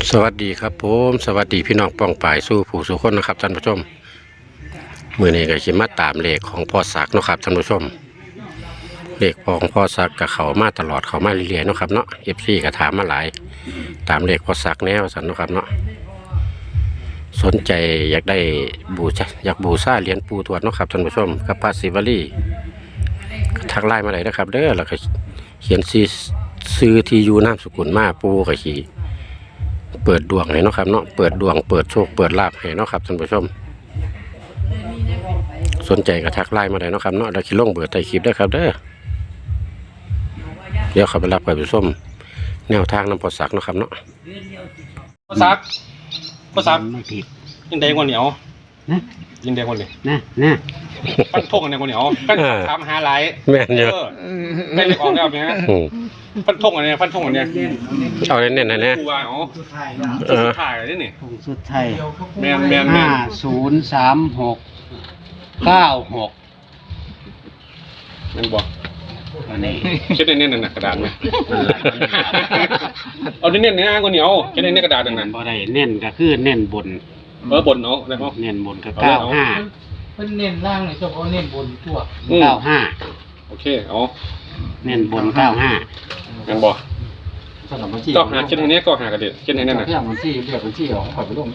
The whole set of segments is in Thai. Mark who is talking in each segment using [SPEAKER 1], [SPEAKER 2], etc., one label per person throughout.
[SPEAKER 1] สวัสดีครับผมสวัสดีพี่น้องป้องป่ายสู้ผู้สู้คนนะครับท่านผู้ชมมือนี้ก็ขิมาตามเลขของพ่อศักดิ์นะครับท่านผู้ชมเลขของพ่อศักดิ์กับเขามาตลอดเขามาเรื่อยๆนะครับเนาะFCก็ถามมาหลายตามเลขพ่อศักดิ์แนวสันนะครับเนาะสนใจอยากได้บูชาเหรียญปู่ทวดเนาะครับท่านผู้ชมกับพระศิวลีทักไลน์มาเลยนะครับเด้อแล้วก็เขียนซื้อที่อยู่นามสกุลมาปู่ก็ขี่เปิดดวงให้เนาะครับเนาะเปิดดวงเปิดโชคเปิดลาภให้เนาะครับท่านผู้ชมสนใจก็ทักไลน์มาได้เนาะครับเนาะเราคิดลงเบอร์ใต้คลิปได้ครับเด้อเดี๋ยวเขาไปรับไปชมแนวทางน้ำพอสักเนาะครับเนาะ
[SPEAKER 2] ภาษา
[SPEAKER 3] ไม่ผิด
[SPEAKER 2] ยิงแดงกว่าเหนียว
[SPEAKER 3] นะ
[SPEAKER 2] ยิงแดงกว่าเหนียว
[SPEAKER 3] นะ
[SPEAKER 2] ปั้นทงกันแดงกว่าเหนียวปั้นทำหาหลาย
[SPEAKER 1] แม่นเยอะ
[SPEAKER 2] ไม่ได้ออกแล้วเนี่ยปั้นทงกันเนี่ยปั้นทงกันเนี่ย
[SPEAKER 1] เอาเน้นๆนะเนี่ย
[SPEAKER 2] กูว่าอ๋อสุดท้ายเลยนี่
[SPEAKER 3] ผงสุดท้าย
[SPEAKER 2] แมน
[SPEAKER 3] 503696
[SPEAKER 2] มันบอก
[SPEAKER 3] อันนี้
[SPEAKER 2] เช็ดเน้นๆน่ะกระดาษไหมเอาเน้นๆเนี่ยกว่าเหนียวเช็ดเน้นๆกระดาษนั่น
[SPEAKER 3] บ่ได้เน้นก็คือเน้นบน
[SPEAKER 2] บนเนาะแล้วก็
[SPEAKER 3] เน้นบนก็95
[SPEAKER 4] เพิ่นเน้นล่างเลยเฉพาะเน้นบนทั่ว
[SPEAKER 3] 95
[SPEAKER 2] โอเคเอา
[SPEAKER 3] เน้นบน95
[SPEAKER 2] งั้นบอกก็หาเช็ดให้เนี้ยก็หากระเด็ดเช็ดให้แน่นน่ะ
[SPEAKER 4] มันที่เรียกมันที่เอาไปลง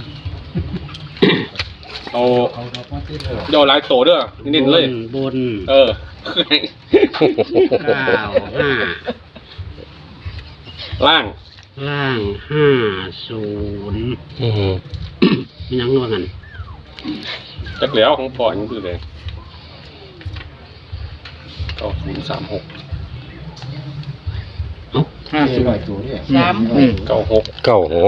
[SPEAKER 2] เอาเดี๋ยวหลายโตเด้อเน้นเลย
[SPEAKER 3] บน
[SPEAKER 2] 95ล่าง
[SPEAKER 3] 50มีนังว่ากัน
[SPEAKER 2] จักแล้วของพ่อยังคือเลย9036
[SPEAKER 4] 50ตัวเนี่ย
[SPEAKER 2] 96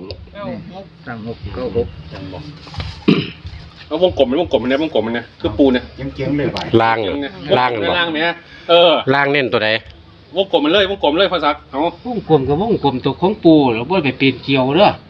[SPEAKER 2] แล้ววงกลมมันเนี่ยคือปูเนี่ย
[SPEAKER 4] เจียงเลยไป
[SPEAKER 1] ล่าง
[SPEAKER 2] เนี่ย
[SPEAKER 1] ล่างเน้นตัวใด
[SPEAKER 2] วงกลมมันเลยวงกลมเลยภาษาเอา
[SPEAKER 3] วงกลมกับวงกลมตัวของปูแล้วบ่ไปปีนเกี่ยวเด้อ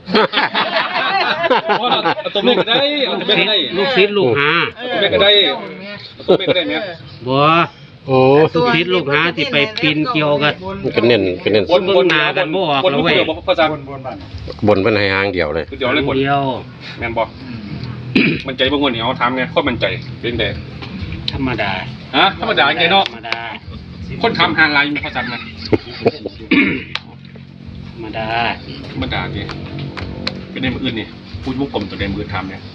[SPEAKER 2] เอาตัวเมฆก็ได้เอาตัวเมฆก็ได้
[SPEAKER 3] ลูกศิษย์ลูกหา
[SPEAKER 2] ตัวเมฆก็ได้ตัวเมฆก็ได้เนี่ย
[SPEAKER 3] บ่ลูกศิษย์ลูกหาที่ไปปีนเกี่ยวกัน
[SPEAKER 1] ก็เน้น
[SPEAKER 3] บนหน้ากันบ่ออกแล้วเว้ย
[SPEAKER 2] ภาษา
[SPEAKER 1] บนเป็นให้หางเดียวเลย
[SPEAKER 2] เดียวเลยบนแม่นบ่มันใจบางคนนี่เอาทำเนี่ยคนมันใจเป็นแต่
[SPEAKER 3] ธรรมดา
[SPEAKER 2] ธรรมดาไงเนาะคนทำหาลายมีภาษาไหม
[SPEAKER 3] ธรรมดา
[SPEAKER 2] เนี่ยเป็นในมืออื่นนี่พูดวงกลมตัวในมือทำเนี่ย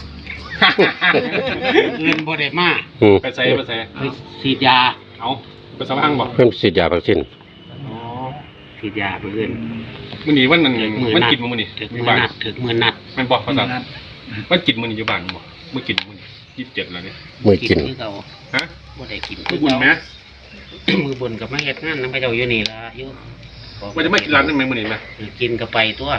[SPEAKER 3] เงินบ่ได้มา
[SPEAKER 2] ไปใส่
[SPEAKER 3] ฉีดยา
[SPEAKER 2] เอาไปสว่างบ่
[SPEAKER 1] เพิ่มฉีดยาวัคซีน
[SPEAKER 3] ฉีดยาเพื่อน
[SPEAKER 2] มื้อนี้วันนั้นมันกินมื้อนี้
[SPEAKER 3] ถึกมื้อนัด
[SPEAKER 2] มันบอกภาษามันกินมื้อนี้อยู่บ้านบ่มื้อกินมื้อนี้27แล้วเนี่ย
[SPEAKER 1] มื้อกิน
[SPEAKER 3] บ่ได้กิน
[SPEAKER 2] มื้อบุญแม่
[SPEAKER 3] มือบุญกับมาเฮ็ดงานนำพระเจ้าอยู่นี่ล่ะอยู่
[SPEAKER 2] ว่าจะไม่กินร้านนั้นมื้อนี้มั้ย
[SPEAKER 3] กินก็ไปตัว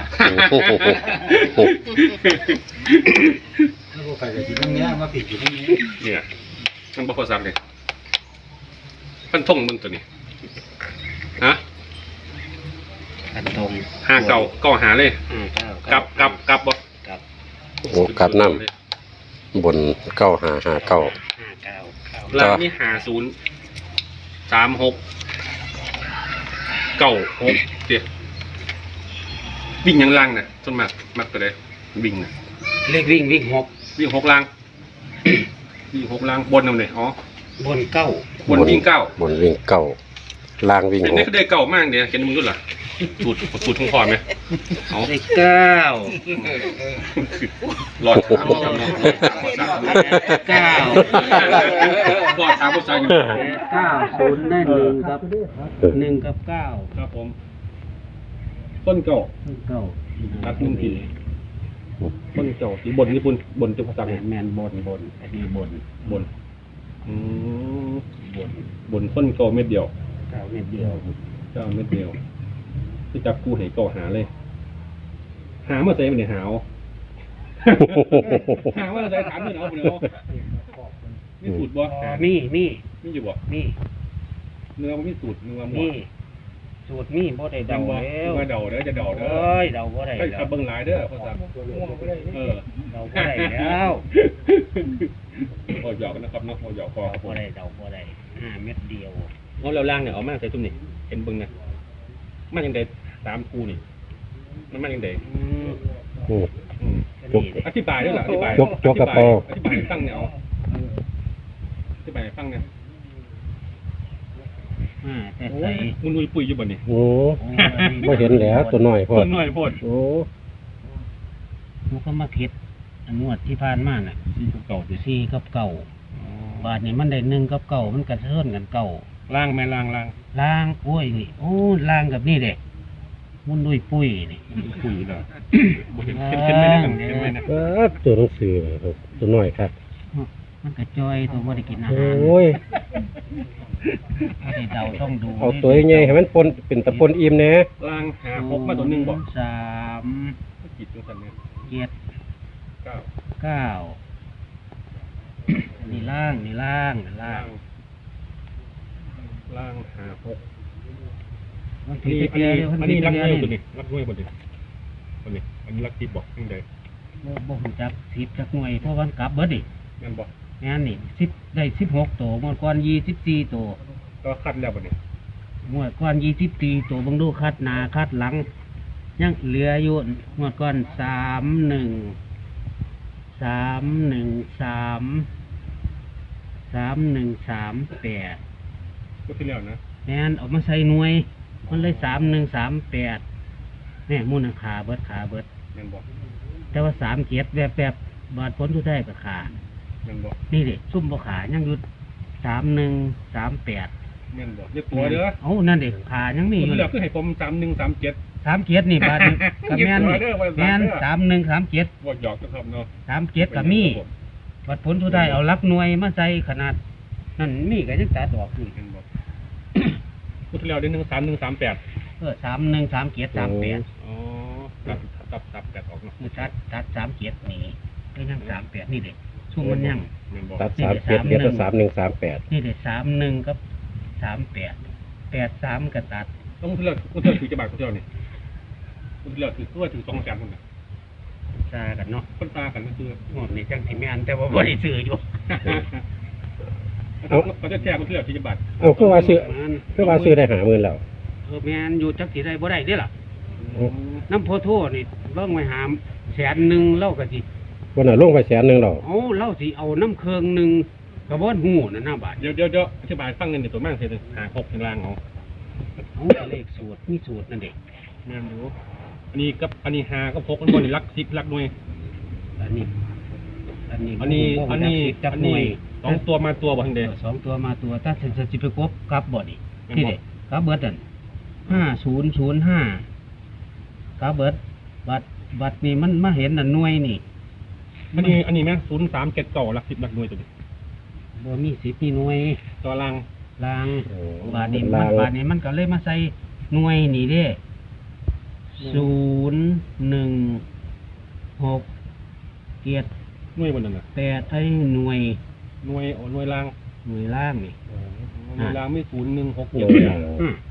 [SPEAKER 4] ถ้าบ่ไปก็สิตรงนี้มาผิดอยู่ตรงนี้
[SPEAKER 2] เนี่ยมันบ่ภาษาเลยพันท่งมึงตัวนี้
[SPEAKER 3] พันท่ง
[SPEAKER 2] 59ก็หาเลยกลับบ่
[SPEAKER 1] โอ้กลับน้ำบน9559
[SPEAKER 2] ล่างนี่503696เดี๋ยววิ่งยังล่างน่ะส่วนมากมักตัวใดวิ่งน่ะ
[SPEAKER 3] เลขวิ่ง
[SPEAKER 2] 6ล่างวิ่ง6ล่างบนเอาเลย
[SPEAKER 3] บน9
[SPEAKER 2] บนวิ่ง9
[SPEAKER 1] ล่างวิ่ง6
[SPEAKER 2] นี่ก็ได้9มากเดี๋ยวเห็นมึงดูล่ะสูตรของพ่อมั้ยเอา
[SPEAKER 3] เลข9
[SPEAKER 2] รอดถาม9รอดถามภาษา
[SPEAKER 3] 90ได้1กับ9
[SPEAKER 2] ครับผมต้นเก่าตัด1ปีต้นเก่าสีบนญี่ปุ่นบนจะภาษา
[SPEAKER 3] แม่นบนอันนี้บน
[SPEAKER 2] บนต้นเก่าเม็ดเดียว
[SPEAKER 3] 9เม็ดเดียว
[SPEAKER 2] ที่จับกูให้ก่อหาเลยหาเมื่อใส่มันเนี่ยหาว่าใส่ถามมันเอาไปเอามีสูตรบ่
[SPEAKER 3] มี
[SPEAKER 2] อยู่บ่
[SPEAKER 3] มี
[SPEAKER 2] เนื้อมันมีสูตรเนื้อหมด
[SPEAKER 3] สูตรมีบ่ได้เดาแล้ว
[SPEAKER 2] มาเดาเด้อจะเดาเด้อ
[SPEAKER 3] เดาบ่ได้
[SPEAKER 2] ถ้าเบิ่งหลายเด้อภาษา
[SPEAKER 3] เดาบ่ได้แล้ว
[SPEAKER 2] พอหยอกกันนะครับเนาะพอหยอกพอ
[SPEAKER 3] บ่ได้เดาบ่ได้5เม็ดเดียว
[SPEAKER 2] เอาแล้วล่างเนี่ยเอามาใส่ตุ้มนี่เห็นเบิ่งนะมันยังได้3คู่นี่มันมาอย่างได
[SPEAKER 1] อืม
[SPEAKER 3] ก็นี่
[SPEAKER 2] อธิบายด้วยเหรออธิบาย
[SPEAKER 1] จกกระเป๋า
[SPEAKER 2] อธิบายให้ฟังเนี่ยเอาอธิบายให้ฟังเนี่ย
[SPEAKER 3] แต่
[SPEAKER 2] โอ้
[SPEAKER 3] ใส่
[SPEAKER 2] มุนอุยปุยอยู่บ่นี่
[SPEAKER 1] โอ้บ่เห็นแล้วตัวน้อยพอ
[SPEAKER 2] ต้นหน่อยโพด
[SPEAKER 1] โอ้
[SPEAKER 3] มันก็มาผิดอันงวดที่ผ่านมาน่ะ
[SPEAKER 2] ที่เก่าดิ
[SPEAKER 3] สี่กับเก่าบาทนี่มันได้หนึ่งกับเก่ามันกระเทือนกันเก่า
[SPEAKER 2] ล่างแม่ล่าง
[SPEAKER 3] ล่างโอ้ยนี่โอ้ล่างกับนี่เด็กมุนดุยปุ้ยนี่
[SPEAKER 2] ปุยเหรอบ่เห็นเห็นไหมนะเห็นไหมนะ
[SPEAKER 1] ตัวหนังสือครับตัวน้อยครับ
[SPEAKER 3] มันกระจอยตัวบ่ได้กินอา
[SPEAKER 1] โอ
[SPEAKER 3] หาร้
[SPEAKER 1] ย
[SPEAKER 3] บ่ได้เดาต้องดู
[SPEAKER 1] เอาตัวใหญ่ให้มันปนเป็นตะปนอิ่มแหน่
[SPEAKER 2] ล่างหาพกมาตัวหนึงบ่
[SPEAKER 3] สาม
[SPEAKER 2] จิตจังซั่นเนี่ย
[SPEAKER 3] เจ็ด
[SPEAKER 2] เก้า
[SPEAKER 3] เก้านี่ล่างนี่ล่างนี่ล่า
[SPEAKER 2] ล่าง งล่างหาพก
[SPEAKER 3] มัน
[SPEAKER 2] อัน
[SPEAKER 3] ผิด
[SPEAKER 2] นี้
[SPEAKER 3] ไป
[SPEAKER 2] อัน
[SPEAKER 3] เดี
[SPEAKER 2] นี้
[SPEAKER 3] ยว
[SPEAKER 2] อันนี้รัก
[SPEAKER 3] เดี
[SPEAKER 2] เงี้
[SPEAKER 3] วย
[SPEAKER 2] ตัวนี้รักเงี้ยบ่ดิตัวนี้อันนี้รักติดบอกจังได
[SPEAKER 3] บ่ฮู้จักสิบจักหน่วยเพราะมันกลับเบิดดิ
[SPEAKER 2] แม่นบ่
[SPEAKER 3] งานนี่ได้16ตัวหมดก่อน24ตัว
[SPEAKER 2] ก็คัดแล้วบ่นี่
[SPEAKER 3] หมดก่อน24ตัวเบิ่งดูคัดหน้าคัดหลัง ยังเหลืออยู่หมดก่อน3138
[SPEAKER 2] ก็ที่แล้วนะ
[SPEAKER 3] แม่นเออกมาใส่หน่วย มันเลย3138แม่มูลค่าเบิดขาเบิด
[SPEAKER 2] แม่นบ่
[SPEAKER 3] แต่ว่า37แบบบาดผลสุดท้ายก็ขา
[SPEAKER 2] แม่นบ่
[SPEAKER 3] นี่ดิซุ่มบ่ขายังอยู่3138
[SPEAKER 2] แม่นบ่อย่าตัวเด้อ
[SPEAKER 3] เอ้านั่นดิขายังมี
[SPEAKER 2] ค
[SPEAKER 3] อน ยู่
[SPEAKER 2] ที่แล้วคือให้ผม3137
[SPEAKER 3] 37นี่บาดนี่ก็แม่น
[SPEAKER 2] อย่าตัวเด้อว่า
[SPEAKER 3] แม่น
[SPEAKER 2] 3137
[SPEAKER 3] 3137
[SPEAKER 2] บ่หยอกนะครับเนาะ
[SPEAKER 3] 37ก็มีบัดผลสุดท้ายเอาหลักหน่วยมาใส่ขนาดนั่นมีก็ยังตัดออกอยู่
[SPEAKER 2] แม่นบ่พูดที่แล้วได้13138
[SPEAKER 3] 313738
[SPEAKER 2] อ๋อตับแตกออกเนาะ
[SPEAKER 3] คือตัด37นี่ก็ยัง38นี่เด็กช่วงมันยัง
[SPEAKER 2] แม่นบ่
[SPEAKER 1] ตัด37เหลือแต่3138
[SPEAKER 3] นี่เด็ก31กับ38 83ก็ตัด
[SPEAKER 2] ต้องที่แล้วคนที่แล้วถือจะบาทคนที่แล้วนี่คนที่แล้วถือตัวถือ200,000คนน่ะ
[SPEAKER 3] ซากันเนาะ
[SPEAKER 2] คนตากันก็คือ
[SPEAKER 3] หมดนี่จังสิแม่นแต่ว่าบ่ได้ซื้ออยู่
[SPEAKER 2] เขาจะแจกคนที่แล้วถือจะบาท
[SPEAKER 1] เอาคือว่าซื้อ
[SPEAKER 3] มัน
[SPEAKER 1] คือว่าซื้อได้50,000แล้ว
[SPEAKER 3] แม่นอยู่จักสิได้บ่ได้เด้ล่ะ
[SPEAKER 1] อืม
[SPEAKER 3] น้ำโพโทนี่เบิ่งไว้หาม100,000เล่าก็สิ
[SPEAKER 1] วันน่ะลงไป100,000แล้ว
[SPEAKER 3] เอาเล่าสิเอาน้ำเครื่องหนึงก็บ่ฮู้นั่นน่ะบาด
[SPEAKER 2] เดี๋ยวอธิบายฟังเงินเดี๋ยวตัวมั่งเสียหนึ่งหา6ข้างล่างเอา
[SPEAKER 3] เอาเลขสูตรมีสูตรนั่นเด็ก
[SPEAKER 2] แม่นดูอันนี้กับอันนี้หากับ6มันบ่นี่รัก10รักหน่วย
[SPEAKER 3] อันนี้
[SPEAKER 2] อันนี้
[SPEAKER 3] จับหน่วย
[SPEAKER 2] สองตัวมาตัวบ่ทังเด้
[SPEAKER 3] สองตัวมาตัวถ้าสิไปกบกลับบ่นี่
[SPEAKER 2] แม่นบ่
[SPEAKER 3] ที่เด็กกลับเบิดนั่น5005กลับเบิดบัดนี่มันมาเห็นนั่นหน่วยนี่
[SPEAKER 2] อันนี้แม่0379รัก10รักหน่วยตัวนี้
[SPEAKER 3] บ่มี10มีหน่วย
[SPEAKER 2] ตัวล่าง
[SPEAKER 3] ลาง
[SPEAKER 1] โอ้
[SPEAKER 3] บาดนี้
[SPEAKER 1] ลาง
[SPEAKER 3] บาดนี้มันก็เลยมาใส่หน่วยนี่เด้016 7
[SPEAKER 2] หน่วยบ่นั่นน่ะ
[SPEAKER 3] 8ไอ้หน่วย
[SPEAKER 2] หน่วยหน่วยล่าง
[SPEAKER 3] หน่วยล่างนี่
[SPEAKER 2] หน่วยล่างมี0167
[SPEAKER 1] หน่วยล่าง
[SPEAKER 3] อืม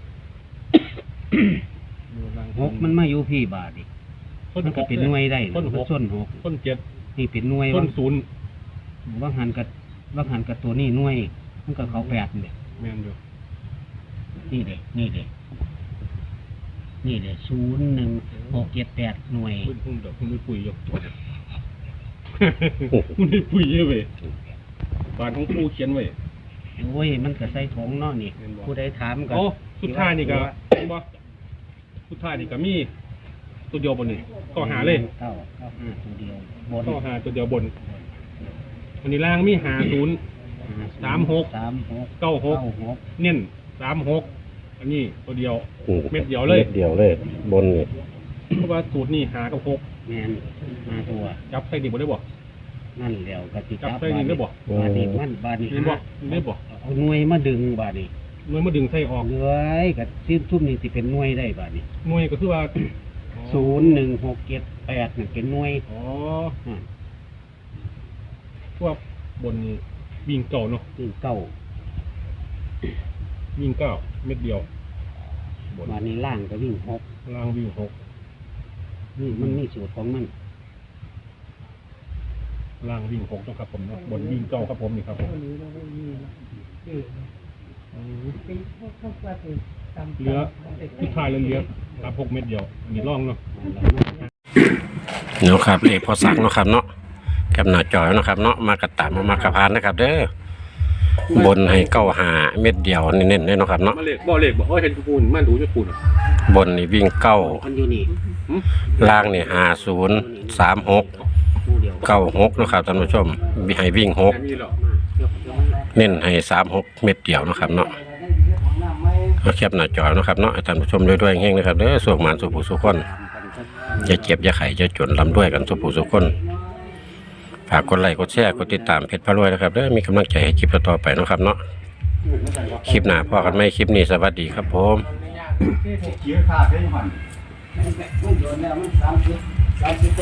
[SPEAKER 2] หน่วยล่าง
[SPEAKER 3] หกมันมาอยู่พี่บาทนี่มันก็เป็นหน่วยได้
[SPEAKER 2] ต้น
[SPEAKER 3] มัน
[SPEAKER 2] 6
[SPEAKER 3] ส้นหก
[SPEAKER 2] ต้น7
[SPEAKER 3] นี่เป็นหน่วย
[SPEAKER 2] ต้น0
[SPEAKER 3] ว่างหันกับตัวนี้หน่วย มันก็เขา8นี่
[SPEAKER 2] แม่นอยู่
[SPEAKER 3] นี่เด้01678หน่วย
[SPEAKER 2] พุ่งดอกพุ่งปุ๋ยยกตัวพุ่งปุ๋ยเว้ยบานของปูเขียนไว้
[SPEAKER 3] โอ้ยมันก็ใส่ถุงเนาะนี่
[SPEAKER 2] แม่นบ่
[SPEAKER 3] ผู้ใดถามก็
[SPEAKER 2] โอ้สุดท้ายนี่ก็เห็นบ่สุดท้ายนี่ก็มีตัวเดียวบนนี่ก็หาเลย
[SPEAKER 3] เก้าห้าตัวเดียวบน
[SPEAKER 2] ก็หาตัวเดียวบนอันนี้ล่างมี36
[SPEAKER 3] 96
[SPEAKER 2] 96เน้น36อันนี้ตัวเดียว
[SPEAKER 1] อื
[SPEAKER 2] เม็ดเดียวเลย
[SPEAKER 1] เม็ดเดียวเลย บนนี่
[SPEAKER 2] เพราะว่าสูตรนี่หากับ6
[SPEAKER 3] แม่นมาตัว
[SPEAKER 2] จับใส่ดิบ่ได้บ่
[SPEAKER 3] นั่นแล้วก็สิ
[SPEAKER 2] จับใส่นี่ได้บ่
[SPEAKER 3] บาดนี้มันบาดนี้
[SPEAKER 2] เห็นบ่ได้บ่
[SPEAKER 3] เอาหน่วยมาดึงบาดนี้
[SPEAKER 2] หน่วยมาดึงใส่ออก
[SPEAKER 3] เหลือยกับชิ้นทุ่มนี่สิเป็นหน่วยได้บาดนี้
[SPEAKER 2] หน่วยก็คือว่า
[SPEAKER 3] 01678นี่เป็นหน่วย
[SPEAKER 2] อ๋อ
[SPEAKER 3] อ่า
[SPEAKER 2] พวกบนนี่วิ่งเก่าเนาะ
[SPEAKER 3] ซึ่งเก้า
[SPEAKER 2] วิ่งเก้าเม็ดเดียวบน
[SPEAKER 3] บาดนี้ล่างก็วิ่งหก
[SPEAKER 2] ล่างวิ่ง6
[SPEAKER 3] นี่มันมีสูตรของมัน
[SPEAKER 2] ล่างวิ่ง6นะครับผมเนาะบนวิ่งเก้าครับผมนี่ครับผม
[SPEAKER 5] ปีพวกปฏิ
[SPEAKER 2] เหลือที่ทายแล้วเหลือครับ6 เม็ดเดียวอันนี้ร่องเนาะ
[SPEAKER 1] เนาะครับเลขพอสักเนาะครับเนาะกับหน้าจอยเนาะครับเนาะมากระตามมากระพานนะครับ เด้อบนให้เก้าหาเม็ดเดียวเน้นๆเลยเนาะครับเนาะ
[SPEAKER 2] มาเลขบ่เลขบ่เห็นปูนมันดูจะปูน
[SPEAKER 1] บนนี่วิ่งเก้า
[SPEAKER 3] คนอยู่นี่
[SPEAKER 1] ล่างนี่5036
[SPEAKER 3] คู่เดียว
[SPEAKER 1] 96เนาะครับท่านผู้ชมให้วิ่ง
[SPEAKER 2] แค่นี้หรอ
[SPEAKER 1] 6เน้นให้36เม็ดเดียวเนาะครับเนาะเอาแคปหน้าจอเนาะครับเนาะให้ท่านผู้ชมด้วยๆเฮงๆนะครับเด้อสุขหมานสุขผู้สุขคนอย่าเจ็บอย่าไข้อย่าจนร่ำรวยกันสุขผู้สุขคนฝากกดไลค์กดแชร์กดติดตามเพจพระรวยนะครับเด้อมีกำลังใจให้คลิปต่อๆไปเนาะครับเนาะคลิปหน้าพอกันไหมคลิปนี้สวัสดีครับผม
[SPEAKER 4] เขียนขาดได้ยังไง